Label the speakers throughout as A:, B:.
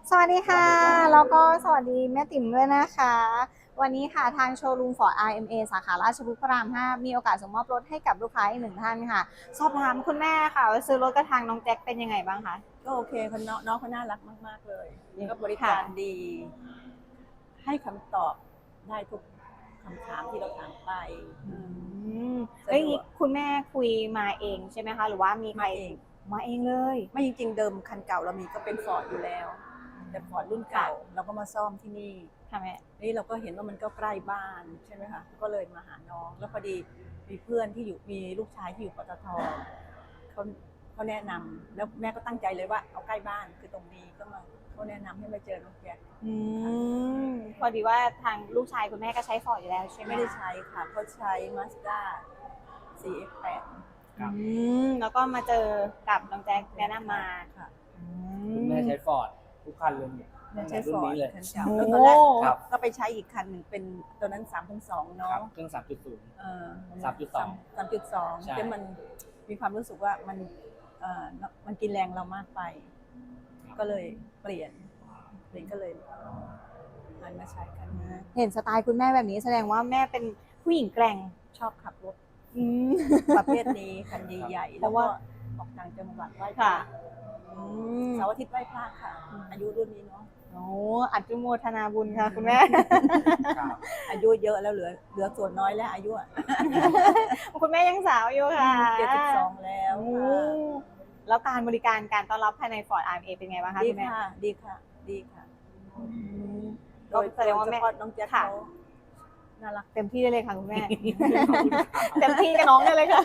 A: สวัสดีค่ะแล้วก็สวัสดีแม่ติ๋มด้วยนะคะวันนี้ค่ะทางโชว์รูม Ford RMA สาขาราชพฤกษ์พระราม 5มีโอกาสส่งมอบรถให้กับลูกค้าอีกหนึ่งท่านค่ะสอบถามคุณแม่ค่ะว่าซื้อรถกระทางน้องแจ็คเป็นยังไงบ้างคะ
B: ก็โอเคคนน้องเขาน่ารักมากๆเลยก็บริ
A: ค่ะ
B: การดีให้คำตอบได้ทุกคำถามที่เราถามไป
A: เอ้ย
B: สะดวก
A: คุณแม่คุยมาเองใช่ไหมคะหรือว่ามีใคร
B: มาเอง
A: มาเองเลย
B: ไม่จริงๆเดิมคันเก่าเรามีก็เป็นฟอร์ดอยู่แล้วแต่ฟอร์ดรุ่นเก่าเราก็มาซ่อมที่นี่
A: ค่ะแม่
B: นี่เราก็เห็นว่ามันก็ใกล้บ้านใช่ไหมคะก็เลยมาหาน้องแล้วพอดีมีเพื่อนที่อยู่มีลูกชายที่อยู่ปตทเขาแนะนำแล้วแม่ก็ตั้งใจเลยว่าเอาใกล้บ้านคือตรงนี้ก็มาเขาแนะนำให้มาเจอน้องแจ็ค
A: พอดีว่าทางลูกชายคุณแม่ก็ใช้ฟอร์ดอยู่แล้วใช่ไหม
B: ไม่ได้ใช้ค่ะเขาใช้ Mazda CX-8
C: ครับ
A: แล้วก็มาเจอกับน้องแจ็คแนะนำมา
B: ค่ะ
C: คุณแม่ใช้ฟอร์ดทุกคันเลยเนี่ย
B: ใช้
C: รุ่
B: ฟ
C: น
B: อร์ด
C: นี้เลย
B: คันเก่า
A: โอ้
B: แล้วตอนแรก
C: ครับ
B: ก็ไปใช้อีกคันหนึ่งเป็นตัวนั้น 3.2 เนาะ
C: ครับเครื่อง 3.0 3.2
B: 3.2
C: ใช่
B: แต่มันมีความรู้สึกว่ามันกินแรงเรามากไป ก็เลยเปลี่ยนก็เลยหันมาใช้กันนะ
A: เห็นสไตล์คุณแม่แบบนี้แสดงว่าแม่เป็นผู้หญิงแกร่ง
B: ชอบขับรถ
A: อืม
B: ประเภทนี้คันใหญ่ๆแล้วก็ออกต่างจังหวัดไหว้พระ
A: ค่ะ
B: เสาร์อาทิตย์ไหว้พระค่ะ อายุรุ่นนี้เนาะ
A: โอ้อัจโมทนาบุญค่ะคุณแม่
C: ครับ
B: อายุเยอะแล้วเหลือส่วนน้อยแล้วอายุ
A: คุณแม่ยังสาวอยู่ค่ะ
B: 72แล้ว
A: โอ้แล้วการบริการการต้อนรับภายใน Ford RMA เป็นไงบ้างคะ
B: ดี
A: คุณแม่
B: ค่ะดีค่ะดีค่ะ
A: ก็แสดงว่าแม่
B: โดยเฉพาะน้องแจ็ค
A: ค่ะ
B: เขาน่ารัก
A: เต็มที่ได้เลยค่ะคุณแม่ เต็มที่กับน้องได้เลยค่ะ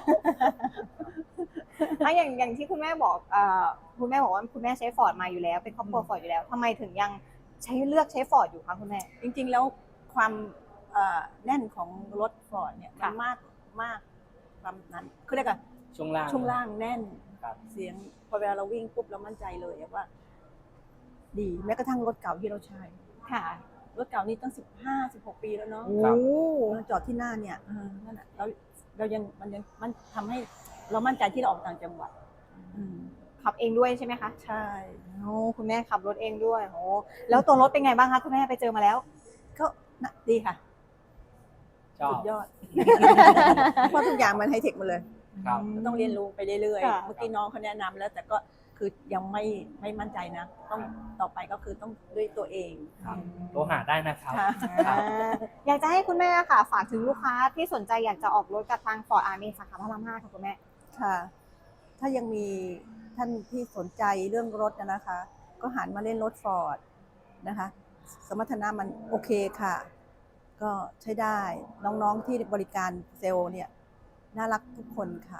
A: อย่างที่คุณแม่บอกคุณแม่บอกว่าคุณแม่ใช้ฟอร์ดมาอยู่แล้วเป็นครอบครัวฟอร์ดอยู่แล้วทำไมถึงยังเลือกใช้ฟอร์ดอยู่คะคุณแม่
B: จริงๆแล้วความแน่นของรถฟอร์ดเนี่ยมั
A: ค่ะ
B: นมากความนั้นคือเรียกว่า
C: ช่วงล่าง
B: ช่วงล่างแน่น
C: ครับ
B: เสียงพอเวลาเราวิ่งปุ๊บเรามั่นใจเลยว่า ดีแม้กระทั่งรถเก่าที่เราใช้
A: ค่ะ
B: รถเก่านี่ตั้ง15-16 ปีแล้วเนาะ
A: โอ้
B: เราจอดที่หน้าเนี่ยนั่นแหละเรายังมันทำให้เรามั่นใจที่เราออกต่างจังหวัด
A: ขับเองด้วยใช่ไหมคะ
B: ใช่
A: โอ้คุณแม่ขับรถเองด้วยโอ้แล้วตัวรถเป็นไงบ้างคะคุณแม่ไปเจอมาแล้ว
B: ก็ดีค่ะ
C: ชอ
B: สุ
C: บ
B: ดยอด เพราะทุกอย่างมันไฮเทคหมดเลย
C: ครับ
B: ก็ต้องเรียนรู้ไปเรื่อย
A: ค่ะ
B: ๆเมื่อกี้น้องเขาแนะนำแล้ว แต่ก็คือยังไม่มั่นใจนะต้องต่อไปก็คือต้องด้วยตัวเอง
C: ครับโทรหาได้นะครับ
B: ค่ะ
C: ครับ
A: อยากจะให้คุณแม่ค่ะ ฝากถึงลูกค้าที่สนใจอยากจะออกรถกับทาง Ford RMA สาขาพระราม 5ค่ะคุณแม่
B: ค่ะ ถ้ายังมีท่านที่สนใจเรื่องรถนะคะ ก็หันมาเล่นรถฟอร์ดนะคะ สมรรถนะมันโอเคค่ะ ก็ใช้ได้น้องๆที่บริการเซลล์เนี่ยน่ารักทุกคนค่ะ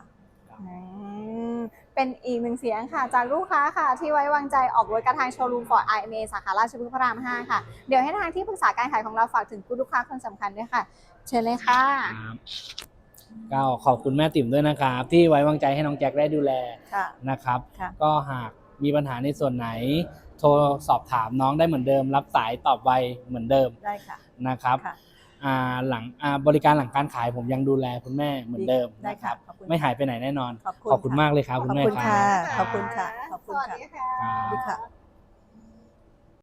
A: เป็นอีกหนึ่งเสียงค่ะจากลูกค้าค่ะที่ไว้วางใจออกรถกระทางโชว์รูม Ford RMA สาขาราชพฤกษ์พระราม 5 ค่ะ เดี๋ยวให้ทางที่ปรึกษาการขายของเราฝากถึงคุณลูกค้าคนสำคัญด้วยค่ะ เชิญเลยค่ะ
C: ครับก็ขอบคุณแม่ติ๋มด้วยนะครับ ที่ไว้วางใจให้น้องแจ็คได้ดูแล
B: ค่ะ
C: นะครับ
B: ค่ะ
C: ก็หากมีปัญหาในส่วนไหน โทรสอบถามน้องได้เหมือนเดิม รับสายตอบไวเหมือนเดิม
B: ได้ค่ะ
C: นะครับ
B: ค่ะ
C: หลังบริการหลังการขายผมยังดูแลคุณแม่เหมือนเดิม
B: ได้
C: นะค
B: ค่ะ
C: รับ
B: ขอบคุณ
C: ไม่หายไปไหนแน่นอน
B: ขอบคุณ
C: ขอบคุณ
B: ค่ะ
C: มากเลยครับ คุณแม่
B: ขอบคุณ
C: ครั
B: ค่ะ
C: บ
B: ขอบคุณค่ะขอบคุณ
A: สวัส
B: ค่ะ
A: ดีค่ะ
C: ครับ
B: สวัสดีค่ะ